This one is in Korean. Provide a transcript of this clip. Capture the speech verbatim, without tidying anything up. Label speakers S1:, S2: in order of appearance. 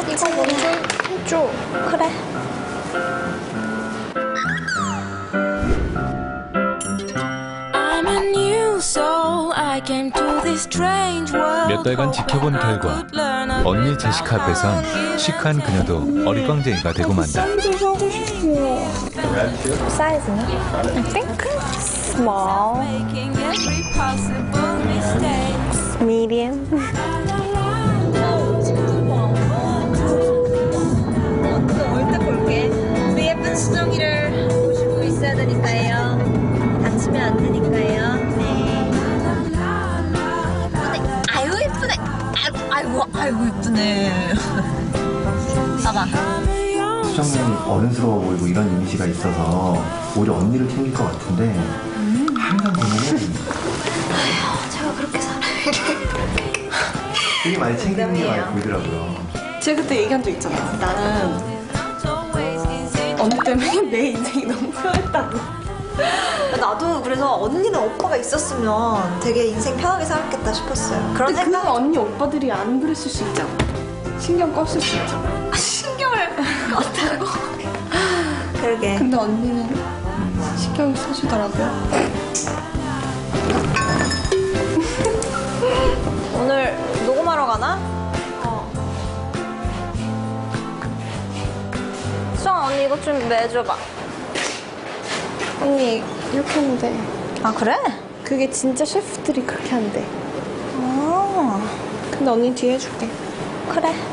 S1: 이거 먼저 해줘.
S2: 그래.
S3: 몇 달간 지켜본 결과 언니 제시카 앞에선 시크한 그녀도 어리광쟁이가 되고 만다.
S1: 쌀도 사고 싶어.
S2: 사이즈는? I think small, medium.
S4: 올때 볼게. 우리 예쁜 수정이를 보시고 있어야 되니까요. 다치면 안 되니까요. 네. 아유 예쁘네. 아이고 아이고 아이고 예쁘네. 봐봐.
S5: 수정은 어른스러워 보이고 이런 이미지가 있어서 오히려 언니를 챙길 것 같은데 항상 보면은
S4: 제가 그렇게 살아요.
S5: 되게 많이 챙기는 게 많이 보이더라고요.
S1: 제가 그때 얘기한 적 있잖아. 나는 언니 때문에 내 인생이 너무 편했다고.
S4: 나도 그래서 언니는 오빠가 있었으면 되게 인생 편하게 살았겠다 싶었어요. 그런
S1: 근데 그
S4: 생각.
S1: 언니 오빠들이 안 그랬을 수 있잖아. 신경 껐을 수 있잖아.
S4: 신경을 껐다고. 그러게.
S1: 근데 언니는 신경 써주더라고요.
S4: 오늘 녹음하러 가나?
S2: 어. 수정 언니 이것 좀 매줘봐.
S1: 언니 이렇게 하면 돼.
S4: 아 그래?
S1: 그게 진짜 셰프들이 그렇게 한대.
S4: 아
S1: 근데 언니 뒤에 해줄게.
S2: 그래.